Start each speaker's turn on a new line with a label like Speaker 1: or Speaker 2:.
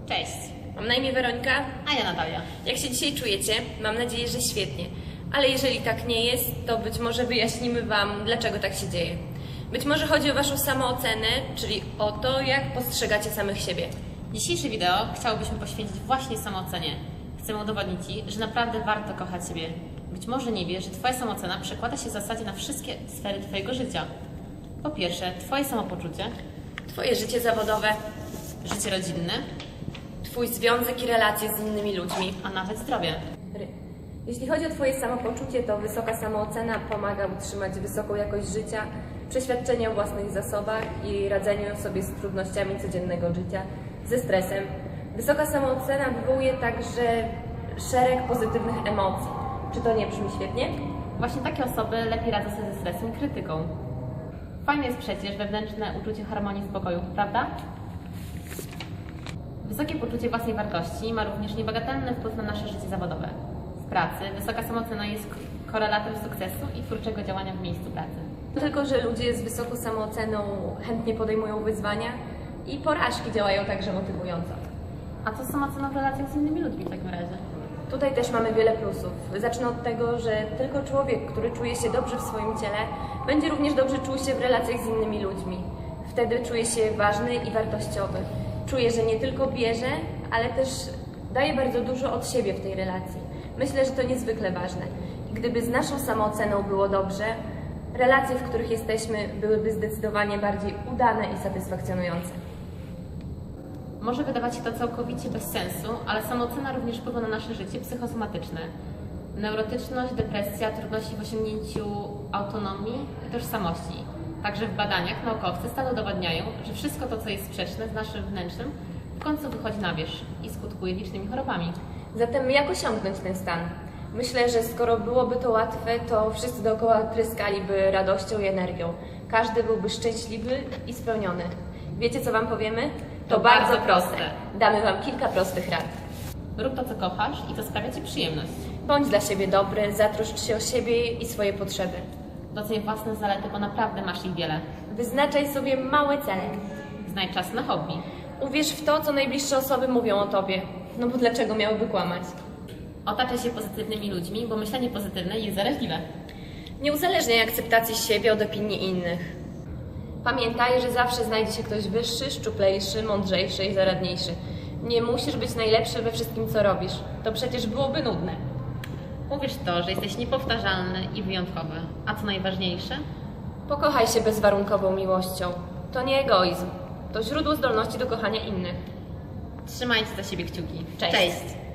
Speaker 1: Cześć,
Speaker 2: Mam na imię Weronika.
Speaker 1: a ja Natalia.
Speaker 2: Jak się dzisiaj czujecie? Mam nadzieję, że świetnie. Ale jeżeli tak nie jest, to być może wyjaśnimy Wam, dlaczego tak się dzieje. Być może chodzi o Waszą samoocenę, czyli o to, jak postrzegacie samych siebie.
Speaker 1: Dzisiejsze wideo chciałobyśmy poświęcić właśnie samoocenie. Chcemy udowodnić Ci, że naprawdę warto kochać siebie. Być może nie wiesz, że Twoja samoocena przekłada się w zasadzie na wszystkie sfery Twojego życia. Po pierwsze, Twoje samopoczucie,
Speaker 2: Twoje życie zawodowe,
Speaker 1: życie rodzinne,
Speaker 2: Twój związek i relacje z innymi ludźmi.
Speaker 1: a nawet zdrowie.
Speaker 2: Jeśli chodzi o Twoje samopoczucie, to wysoka samoocena pomaga utrzymać wysoką jakość życia, przeświadczenie o własnych zasobach i radzeniu sobie z trudnościami codziennego życia, ze stresem. Wysoka samoocena wywołuje także szereg pozytywnych emocji. Czy to nie brzmi świetnie?
Speaker 1: Właśnie takie osoby lepiej radzą sobie ze stresem i krytyką. Fajne jest przecież wewnętrzne uczucie harmonii i spokoju, prawda? Wysokie poczucie własnej wartości ma również niebagatelny wpływ na nasze życie zawodowe. W pracy wysoka samoocena jest korelatem sukcesu i twórczego działania w miejscu pracy.
Speaker 2: Tylko, że ludzie z wysoką samooceną chętnie podejmują wyzwania i porażki działają także motywująco.
Speaker 1: A co z samooceną w relacjach z innymi ludźmi w takim razie?
Speaker 2: Tutaj też mamy wiele plusów. Zacznę od tego, że tylko człowiek, który czuje się dobrze w swoim ciele, będzie również dobrze czuł się w relacjach z innymi ludźmi. Wtedy czuje się ważny i wartościowy. Czuje, że nie tylko bierze, ale też daje bardzo dużo od siebie w tej relacji. Myślę, że to niezwykle ważne. I gdyby z naszą samooceną było dobrze, relacje, w których jesteśmy, byłyby zdecydowanie bardziej udane i satysfakcjonujące.
Speaker 1: Może wydawać się to całkowicie bez sensu, ale samoocena również wpływa na nasze życie psychosomatyczne. Neurotyczność, depresja, trudności w osiągnięciu autonomii i tożsamości. Także w badaniach naukowcy stale udowadniają, że wszystko to, co jest sprzeczne z naszym wnętrzem, w końcu wychodzi na wierzch i skutkuje licznymi chorobami.
Speaker 2: Zatem jak osiągnąć ten stan? Myślę, że skoro byłoby to łatwe, to wszyscy dookoła tryskaliby radością i energią. Każdy byłby szczęśliwy i spełniony. Wiecie, co Wam powiemy? To bardzo proste. Damy Wam kilka prostych rad.
Speaker 1: Rób to, co kochasz i co sprawia Ci przyjemność.
Speaker 2: Bądź dla siebie dobry, zatroszcz się o siebie i swoje potrzeby.
Speaker 1: Doceń własne zalety, bo naprawdę masz ich wiele.
Speaker 2: Wyznaczaj sobie małe cele.
Speaker 1: Znajdź czas na hobby.
Speaker 2: Uwierz w to, co najbliższe osoby mówią o Tobie. No bo dlaczego miałyby kłamać?
Speaker 1: Otaczaj się pozytywnymi ludźmi, bo myślenie pozytywne jest zaraźliwe.
Speaker 2: Nie uzależniaj akceptacji siebie od opinii innych. Pamiętaj, że zawsze znajdzie się ktoś wyższy, szczuplejszy, mądrzejszy i zaradniejszy. Nie musisz być najlepszy we wszystkim, co robisz. To przecież byłoby nudne.
Speaker 1: Uwierz w to, że jesteś niepowtarzalny i wyjątkowy. A co najważniejsze?
Speaker 2: Pokochaj się bezwarunkową miłością. To nie egoizm. To źródło zdolności do kochania innych.
Speaker 1: Trzymajcie za siebie kciuki.
Speaker 2: Cześć.